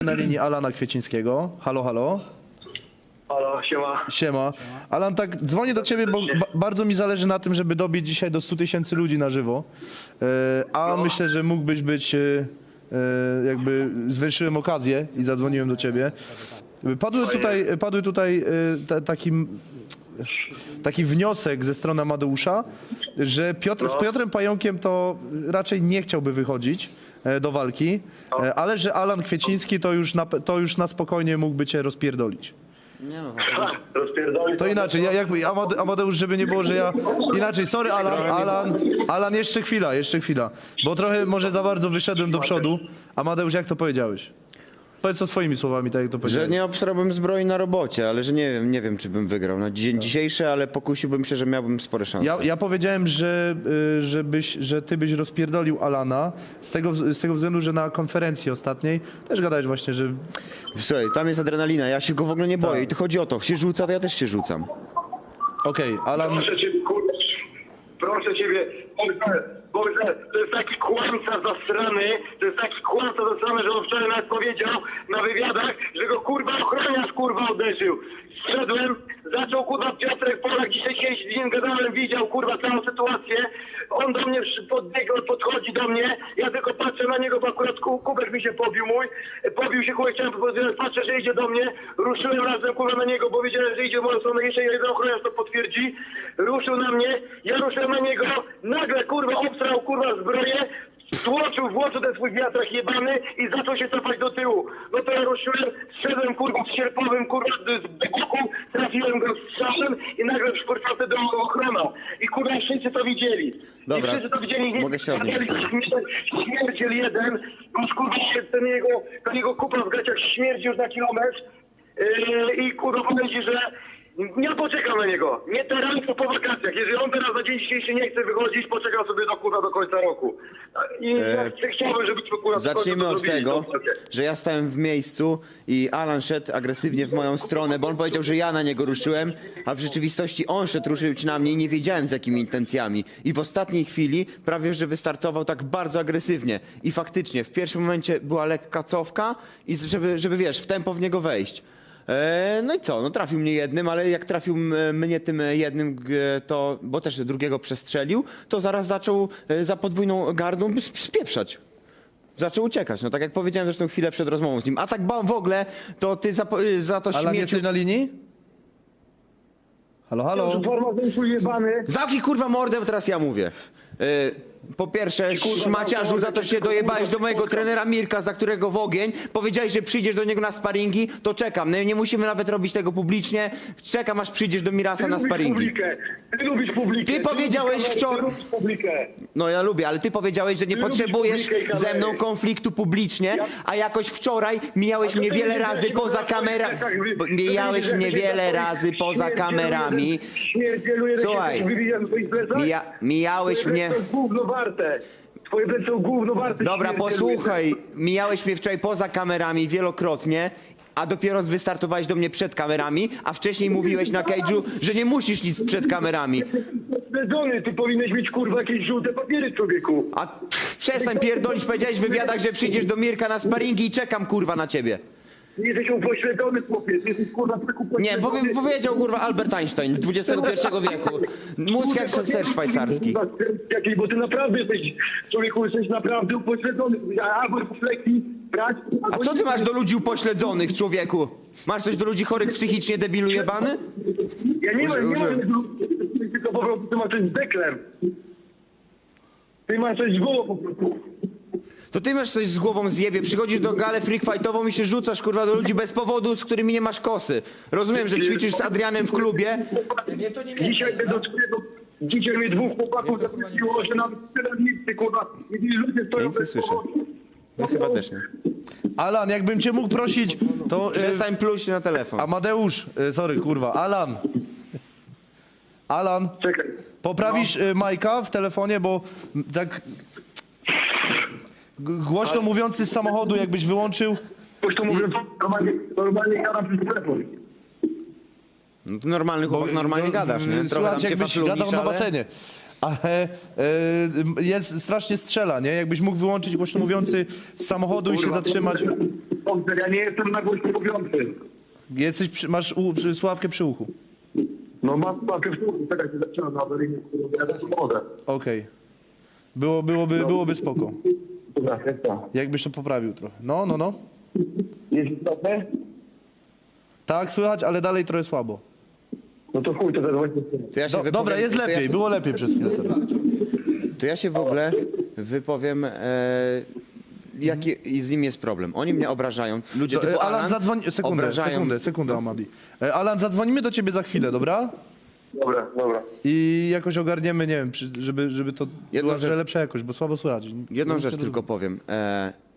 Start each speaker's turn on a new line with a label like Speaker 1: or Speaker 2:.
Speaker 1: Na linii Alana Kwiecińskiego. Halo, halo.
Speaker 2: Halo, siema.
Speaker 1: Siema. Alan, tak dzwonię do ciebie, bo bardzo mi zależy na tym, żeby dobić dzisiaj do 100 000 ludzi na żywo. A myślę, że mógłbyś być, jakby zwiększyłem okazję i zadzwoniłem do ciebie. Padły tutaj taki wniosek ze strony Amadeusza, że z Piotrem Pająkiem to raczej nie chciałby wychodzić do walki, ale że Alan Kwieciński to już na spokojnie mógłby cię rozpierdolić.
Speaker 3: Nie no,
Speaker 2: Rozpierdoli.
Speaker 1: To inaczej, jakby Amadeusz, żeby nie było, że ja... Inaczej, sorry Alan, jeszcze chwila, bo trochę może za bardzo wyszedłem do przodu. Amadeusz, jak to powiedziałeś? Powiedz to swoimi słowami, tak jak to
Speaker 3: że
Speaker 1: powiedziałeś.
Speaker 3: nie obstrałbym zbroi na robocie, ale że nie wiem czy bym wygrał na dzień dzisiejszy, ale pokusiłbym się, że miałbym spore szanse.
Speaker 1: Ja powiedziałem, że ty byś rozpierdolił Alana z tego względu, że na konferencji ostatniej też gadałeś właśnie, że...
Speaker 3: Słuchaj, tam jest adrenalina, ja się go w ogóle nie boję
Speaker 1: Tak.
Speaker 3: i to chodzi o to, się rzuca, to ja też się rzucam.
Speaker 1: Okej, Alan...
Speaker 2: Proszę ciebie, kurwa, proszę ciebie, Boże, to jest taki kłamca zasrany, że on wczoraj nas powiedział na wywiadach, że go kurwa ochroniarz kurwa uderzył. Wszedłem, zaczął kurwa Piotrek Polak, dzisiaj z nim gadałem, widział kurwa całą sytuację. On do mnie podchodzi do mnie, ja tylko patrzę na niego, bo akurat kubek mi się pobił się kubek, chciałem powiedzieć, patrzę, że idzie do mnie, ruszyłem razem kurwa na niego, bo wiedziałem, że idzie w moją stronę, jeszcze jeden ochroniarz to potwierdzi, ruszył na mnie, ja ruszyłem na niego, nagle kurwa obsrał kurwa zbroję, włożył ten swój wiatrak jebany i zaczął się cofać do tyłu. No to ja ruszyłem, zszedłem kurwa z sierpowym kurwa z boku, trafiłem go strzałem i nagle szpurcał do ochrona. I kurwa wszyscy to widzieli.
Speaker 3: Dobra,
Speaker 2: I wszyscy to widzieli,
Speaker 3: mogę się odnieść.
Speaker 2: Śmierdziel jeden, już kurwa ten jego kupa w gaciach śmierdzi już na kilometr. I kurwa powiedzi, że ja poczekam na niego. Nie teraz, to po wakacjach. Jeżeli on teraz na dzień dzisiejszy nie chce wychodzić, poczekam sobie do końca roku. I ja chciałbym, żebyśmy kurwa...
Speaker 3: Zacznijmy od tego, że ja stałem w miejscu i Alan szedł agresywnie w moją stronę, bo on powiedział, że ja na niego ruszyłem, a w rzeczywistości on szedł ruszyć na mnie i nie wiedziałem z jakimi intencjami. I w ostatniej chwili prawie, że wystartował tak bardzo agresywnie. I faktycznie w pierwszym momencie była lekka cofka i żeby wiesz, w tempo w niego wejść. No i co? No trafił mnie jednym, ale jak trafił mnie tym jednym, to, bo też drugiego przestrzelił, to zaraz zaczął za podwójną gardą spieprzać. Zaczął uciekać, no tak jak powiedziałem zresztą chwilę przed rozmową z nim. A tak w ogóle, to ty za to
Speaker 1: Alan,
Speaker 3: śmieciu...
Speaker 1: jesteś na linii? Halo, halo?
Speaker 3: Zamknij kurwa mordę, bo teraz ja mówię. Po pierwsze, szmaciarzu, za to się dojebałeś do mojego trenera Mirka, za którego w ogień. Powiedziałeś, że przyjdziesz do niego na sparingi, to czekam. No, nie musimy nawet robić tego publicznie. Czekam, aż przyjdziesz do Mirasa na sparingi.
Speaker 2: Ty lubisz publikę.
Speaker 3: Ty powiedziałeś wczoraj... No ja lubię, ale ty powiedziałeś, że nie potrzebujesz ze mną konfliktu publicznie, a jakoś wczoraj mijałeś mnie wiele razy poza kamerami. Mijałeś mnie wiele razy poza kamerami. Słuchaj, mijałeś mnie...
Speaker 2: Twoje plecy są gówno warte.
Speaker 3: Dobra, posłuchaj, mijałeś mnie wczoraj poza kamerami wielokrotnie, a dopiero wystartowałeś do mnie przed kamerami, a wcześniej mówiłeś na cage'u, że nie musisz nic przed kamerami.
Speaker 2: Ty powinieneś mieć kurwa jakieś żółte papiery, człowieku.
Speaker 3: A przestań pierdolić, powiedziałeś w wywiadach, że przyjdziesz do Mirka na sparingi i czekam kurwa na ciebie.
Speaker 2: Jesteś upośledzony, chłopiec. Jesteś kurwa
Speaker 3: Nie, powiedział kurwa Albert Einstein XXI wieku. Mózg jak ser szwajcarski.
Speaker 2: Bo ty naprawdę jesteś, człowieku, jesteś naprawdę upośledzony. Albo refleksji brać...
Speaker 3: A co ty masz do ludzi upośledzonych, człowieku? Masz coś do ludzi chorych psychicznie, debilu jebany?
Speaker 2: Ja nie mam, tylko po prostu ty masz coś z deklem. Ty masz coś z głową po prostu.
Speaker 3: To ty masz coś z głową zjebie, przychodzisz do galę freakfightową i się rzucasz kurwa do ludzi bez powodu, z którymi nie masz kosy. Rozumiem, że ćwiczysz z Adrianem w klubie.
Speaker 2: Dzisiaj mnie dwóch chłopaków zaprosiło, że nawet kierownicy, kurwa, i ludzie stoją
Speaker 3: Nic nie
Speaker 2: bez
Speaker 3: słyszę.
Speaker 2: powodu.
Speaker 3: No chyba też nie.
Speaker 1: Alan, jakbym cię mógł prosić, to...
Speaker 3: Przestań pluć na telefon.
Speaker 1: Amadeusz, sorry, kurwa, Alan,
Speaker 2: Czekaj.
Speaker 1: poprawisz Majka w telefonie, bo tak głośno mówiący z samochodu jakbyś wyłączył.
Speaker 2: Ktoś to mówi, normalnie gadam przez telefon.
Speaker 3: No to normalny chłopak, normalnie gadasz, nie? Trochę tam
Speaker 1: Słuchaj,
Speaker 3: się
Speaker 1: jakbyś
Speaker 3: faflugisz,
Speaker 1: gadał na
Speaker 3: ale...
Speaker 1: basenie. ale jest strasznie strzela, nie? Jakbyś mógł wyłączyć głośno mówiący z samochodu i się zatrzymać.
Speaker 2: Dobrze, ja nie jestem na głośno mówiący.
Speaker 1: Masz słuchawkę przy uchu.
Speaker 2: No mam w słuchu, teraz się zaczynam na awaryjnie, ja też wodę.
Speaker 1: Okej. Byłoby spoko.
Speaker 2: Dobra, jest to.
Speaker 1: Jakbyś to poprawił trochę. No.
Speaker 2: Jest istotne?
Speaker 1: Tak, słychać, ale dalej trochę słabo.
Speaker 2: No to chuj, to zadzwońcie.
Speaker 3: To ja się wypowiem-
Speaker 1: Dobra, jest
Speaker 3: to ja
Speaker 1: lepiej,
Speaker 3: się-
Speaker 1: było lepiej przez chwilę.
Speaker 3: To ja się w ogóle wypowiem, jaki z nim jest problem. Oni mnie obrażają. Ludzie typu
Speaker 1: Alan, zadzwoń...
Speaker 3: obrażają.
Speaker 1: Sekundę, Amadi. Alan, zadzwonimy do ciebie za chwilę, dobra?
Speaker 2: Dobra.
Speaker 1: I jakoś ogarniemy, nie wiem, żeby to
Speaker 3: Jedną
Speaker 1: była
Speaker 3: rzecz-
Speaker 1: lepsza jakość, bo słabo słychać.
Speaker 3: Jedną
Speaker 1: Nic
Speaker 3: rzecz
Speaker 1: nie
Speaker 3: tylko powiem.